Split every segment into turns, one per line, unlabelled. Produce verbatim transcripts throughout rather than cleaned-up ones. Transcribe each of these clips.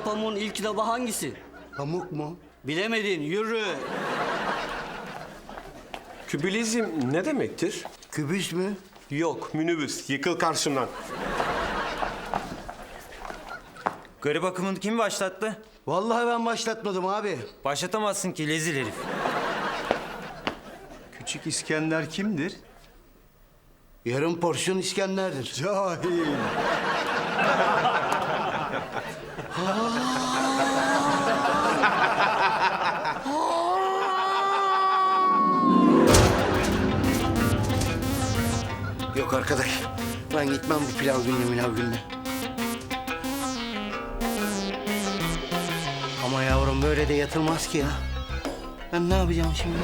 Pamuğun ilk kitabı hangisi?
Pamuk mu?
Bilemedin, yürü.
Kübülizm ne demektir?
Kübüs mü?
Yok, minibüs. Yıkıl karşımdan.
Garip akımını kim başlattı?
Vallahi ben başlatmadım abi.
Başlatamazsın ki lezil herif.
Küçük İskender kimdir?
Yarım porsiyon İskender'dir.
Cahil.
Yok arkadaş. Ben gitmem bu pilav gününe milav gününe. Ama yavrum böyle de yatılmaz ki ya. Ben ne yapacağım şimdi?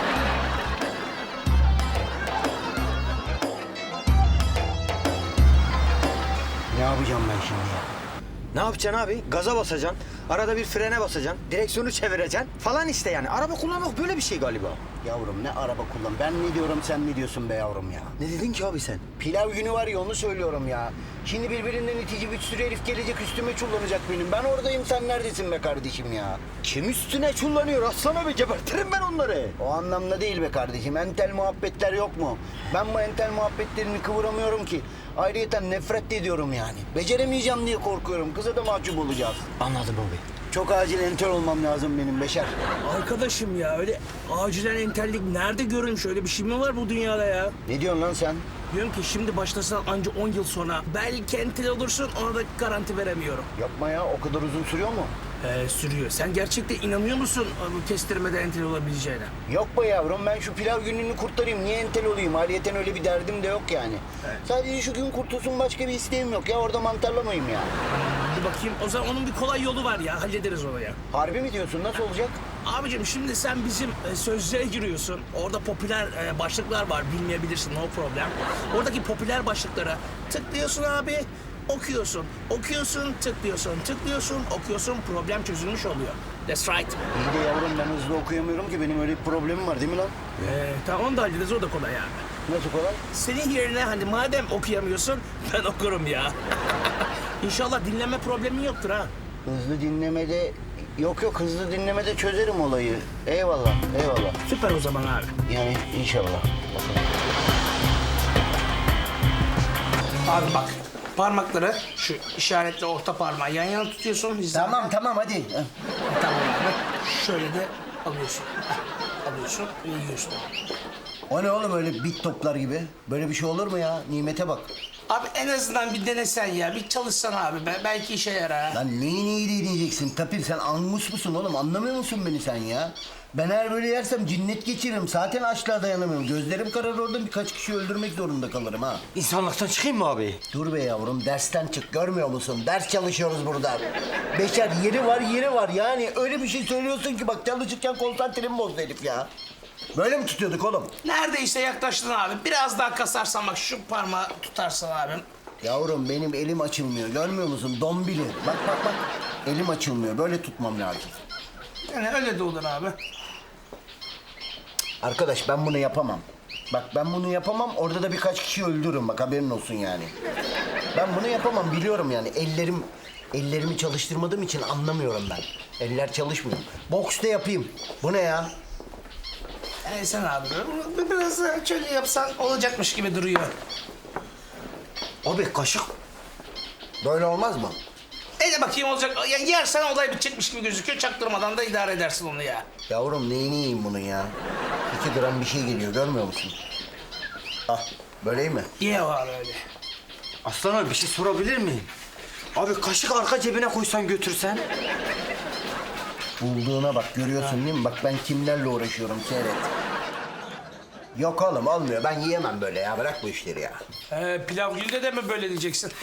Ne yapacağım ben şimdi ya?
Ne yapacaksın abi? Gaza basacaksın. Arada bir frene basacaksın. Direksiyonu çevireceksin falan işte yani. Araba kullanmak böyle bir şey galiba.
Yavrum ne araba kullan. Ben ne diyorum sen ne diyorsun be yavrum ya?
Ne dedin ki abi sen?
Pilav günü var ya onu söylüyorum ya. Şimdi birbirinden itici bir sürü herif gelecek üstüme çullanacak benim. Ben oradayım sen neredesin be kardeşim ya?
Kim üstüne çullanıyor aslan abi? Gebertirim ben onları.
O anlamda değil be kardeşim. Entel muhabbetler yok mu? Ben bu entel muhabbetlerini kıvıramıyorum ki. Ayrıyeten nefret de ediyorum yani. Beceremeyeceğim diye korkuyorum. Kıza da mahcup olacağız.
Anladım abi.
Çok acil entel olmam lazım benim Beşer.
Arkadaşım ya öyle acilen entellik nerede görülmüş, öyle bir şey mi var bu dünyada ya?
Ne diyorsun lan sen?
Diyorum ki şimdi başlasan anca on yıl sonra belki entel olursun, ona da garanti veremiyorum.
Yapma ya o kadar uzun sürüyor mu?
Ee, sürüyor. Sen gerçekten inanıyor musun bu kestirmede entel olabileceğine?
Yok be yavrum ben şu pilav gününü kurtarayım. Niye entel olayım? Ayrıyeten öyle bir derdim de yok yani. Sadece şu gün kurtulsun başka bir isteğim yok ya. Orada mantarlamayayım ya.
Dur bakayım, o zaman onun bir kolay yolu var ya, hallederiz onu ya.
Harbi mi diyorsun? Nasıl olacak?
Abicim şimdi sen bizim e, sözlüğe giriyorsun. Orada popüler e, başlıklar var, bilmeyebilirsin, no problem. Oradaki popüler başlıklara tıklıyorsun abi, okuyorsun. Okuyorsun, tıklıyorsun, tıklıyorsun, okuyorsun, problem çözülmüş oluyor. That's right.
İyi de yavrum ben hızlı okuyamıyorum ki. Benim öyle bir problemim var değil mi lan?
Ee, tamam onu da hallederiz, o da kolay abi.
Nasıl kolay?
Senin yerine hani madem okuyamıyorsun, ben okurum ya. İnşallah dinleme problemin yoktur ha.
Hızlı dinlemede... Yok yok hızlı dinlemede çözerim olayı. Eyvallah, eyvallah.
Süper o zaman abi.
Yani inşallah. Bakalım.
Abi bak, parmakları şu işaretle orta parmağı yan yana tutuyorsun. hizada.
Tamam tamam hadi.
Tamam abi. Şöyle de alıyorsun. Heh, alıyorsun ve yiyorsun.
O ne oğlum öyle bit toplar gibi? Böyle bir şey olur mu ya? Nimete bak.
Abi en azından bir denesen ya, bir çalışsan abi. Be- belki işe yarar ha.
Lan neyi neyi deneyeceksin? Tapir sen angus musun oğlum? Anlamıyor musun beni sen ya? Ben eğer böyle yersem cinnet geçiririm. Zaten açlığa dayanamıyorum. Gözlerim karar orada birkaç kişi öldürmek zorunda kalırım ha.
İnsanlıktan çıkayım mı abi?
Dur be yavrum dersten çık görmüyor musun? Ders çalışıyoruz burada. Beşer yeri var yeri var yani öyle bir şey söylüyorsun ki bak çalışırken konsantremi bozdu herif ya. Böyle mi tutuyorduk oğlum?
Neredeyse yaklaştın abi. Biraz daha kasarsan bak, şu parmağı tutarsın abim.
Yavrum benim elim açılmıyor görmüyor musun? Dombili. Bak bak bak elim açılmıyor böyle tutmam lazım.
Yani öyle de olur abi.
Arkadaş ben bunu yapamam. Bak ben bunu yapamam orada da birkaç kişi öldürürüm bak haberin olsun yani. Ben bunu yapamam biliyorum yani ellerim ellerimi çalıştırmadığım için anlamıyorum ben. Eller çalışmıyor. Boks da yapayım. Bu ne ya?
Yani sen abi bir- biraz daha şöyle yapsan olacakmış gibi duruyor.
Abi kaşık. Böyle olmaz mı?
E de bakayım olacak. Yani yersen olay bitecekmiş gibi gözüküyor. Çaktırmadan da idare edersin onu ya.
Yavrum neyini yiyeyim bunun ya? İki gram bir şey geliyor görmüyor musun? Ah böyle iyi mi?
Ye var öyle.
Aslan abi bir şey sorabilir miyim? Abi kaşık arka cebine koysan götürsen.
Bulduğuna bak görüyorsun değil mi? Bak ben kimlerle uğraşıyorum seyret. Yok oğlum olmuyor ben yiyemem böyle ya bırak bu işleri ya.
Ee, pilav günde de mi böyle diyeceksin?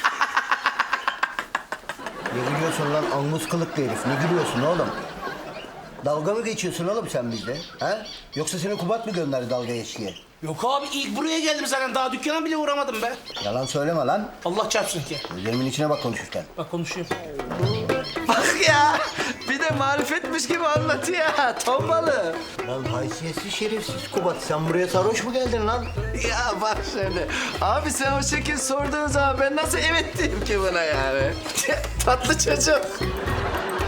Ne gülüyorsun lan angus kılıklı herif ne gülüyorsun oğlum? Dalga mı geçiyorsun oğlum sen bizde? Ha? Yoksa seni Kubat mı gönderdi dalga geçkiye?
Yok abi, ilk buraya geldim zaten. Daha dükkana bile uğramadım be.
Yalan söyleme lan.
Allah çarpsın ki.
Gözlerimin içine bak konuşurken.
Bak konuşuyorum.
Bak ya bir de marifetmiş gibi anlatıyor ha tombalı.
Lan haysiyetsiz şerefsiz Kubat sen buraya sarhoş mu geldin lan?
Ya bak şimdi abi sen o şekil sorduğun zaman ben nasıl evet diyeyim ki buna yani? Tatlı çocuk.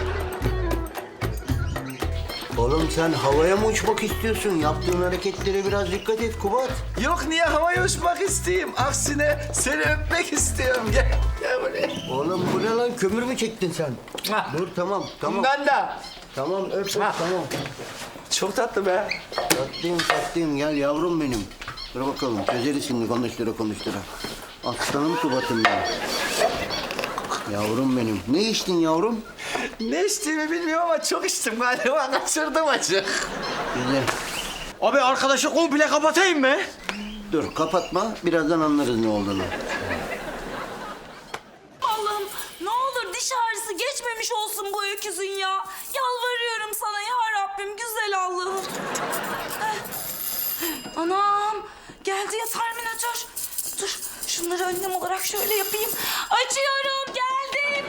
Oğlum sen havaya mı uçmak istiyorsun? Yaptığın hareketlere biraz dikkat et Kubat.
Yok niye havaya uçmak isteyeyim? Aksine seni öpmek istiyorum. Gel, gel buraya.
Oğlum bu ne lan? Kömür mü çektin sen?
Ah.
Dur tamam tamam.
Bundan da.
Tamam öp öp
Ah.
tamam.
Çok tatlı be.
Tatlıyım tatlıyım gel yavrum benim. Dur bakalım çözeriz şimdi konuştura konuştura. Aslanım Kubat'ım benim. Yavrum benim. Ne içtin yavrum?
Ne içtiğimi bilmiyorum ama çok içtim galiba. Kaçırdım acı.
Güzel.
Abi arkadaşı komple kapatayım mı?
Dur kapatma birazdan anlarız ne olduğunu.
Allah'ım ne olur diş ağrısı geçmemiş olsun bu öküzün ya. Yalvarıyorum sana ya Rabbim güzel Allah'ım. Eh. Anam geldi ya terminatör. Dur şunları önlem olarak şöyle yapayım. Açıyorum geldim.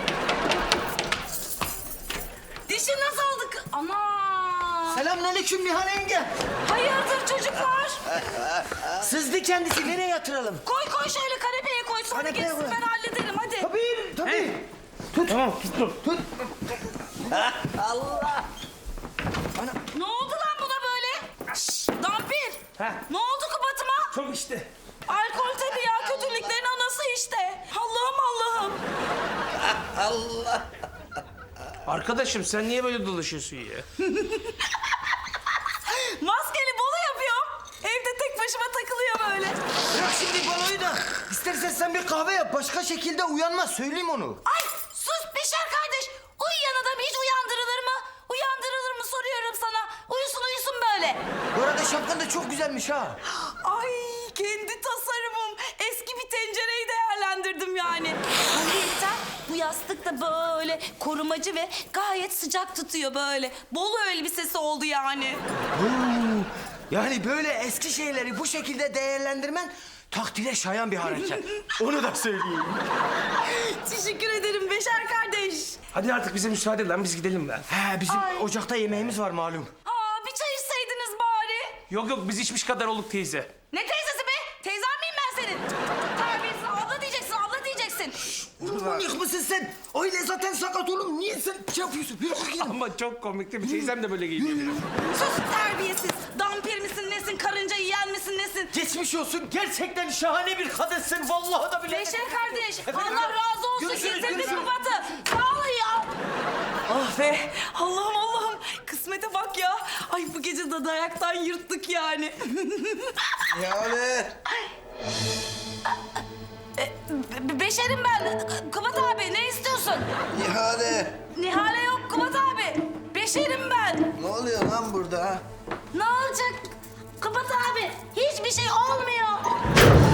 Dişi nasıl aldık? Ana.
Selamünaleyküm Nihal yenge.
Hayırdır çocuklar?
Sızdı kendisi, nereye yatıralım?
Koy koy şöyle kanepeye koy sonra
Kanepeye
geçsin
koy.
ben hallederim hadi.
Tabii, tabii.
Ne oldu lan buna böyle? Şşş, Dampir. Ne oldu Kubat'ıma?
Çok işte.
Alkol tabii ya kötülüklerin anası işte. Allah'ım Allah'ım.
Arkadaşım sen niye böyle dolaşıyorsun ya?
Maskeli bolu yapıyorum. Evde tek başıma takılıyor böyle.
Bırak şimdi baloyu da. İstersen sen bir kahve yap. Başka şekilde uyanmaz. Söyleyeyim onu.
Ay sus Beşer kardeş. Uyuyan adam hiç uyandırılır mı? Uyandırılır mı soruyorum sana. Uyusun uyusun böyle.
Bu arada şapkan da çok güzelmiş ha.
Ay kendi tasarımım. Eski bir tencereyi değerlendirdim yani. Ayrıca bu yastık da böyle korumacı ve gayet sıcak tutuyor böyle. Bolu elbisesi oldu yani.
Yani böyle eski şeyleri bu şekilde değerlendirmen takdire şayan bir hareket. Onu da söyleyeyim.
Teşekkür ederim Beşer kardeş.
Hadi artık bize müsaade lan biz gidelim lan.
He bizim
Ay.
ocakta yemeğimiz var malum.
Aa bir çay içseydiniz bari.
Yok yok biz içmiş kadar olduk teyze.
Ne teyzesi be? Teyzen miyim ben senin? Terbiyesiz abla diyeceksin, abla diyeceksin.
Manyak mısın sen? Öyle zaten sakat oğlum. Niye sen şey yapıyorsun? Yürü bakayım.
Ama çok komikti. Bir teyzem de böyle giyiniyor.
Sus terbiyesiz. Dampir misin nesin, karınca yiyen misin nesin?
Geçmiş olsun. Gerçekten şahane bir kadınsın. Vallahi da bile.
Beşer kardeş, Allah razı olsun.
Görüşürüz,
Getirdin
görüşürüz.
Kubat'ı. Sağ olun ya. Ah be, Allah'ım Allah'ım. Kısmete bak ya. Ay bu gece de dayaktan yırttık yani.
Yani.
Be- Beşerim ben. Kubat abi ne istiyorsun?
İhale.
Nihale yok Kubat abi. Beşerim ben.
Ne oluyor lan burada?
Ne olacak? Kubat abi hiçbir şey olmuyor.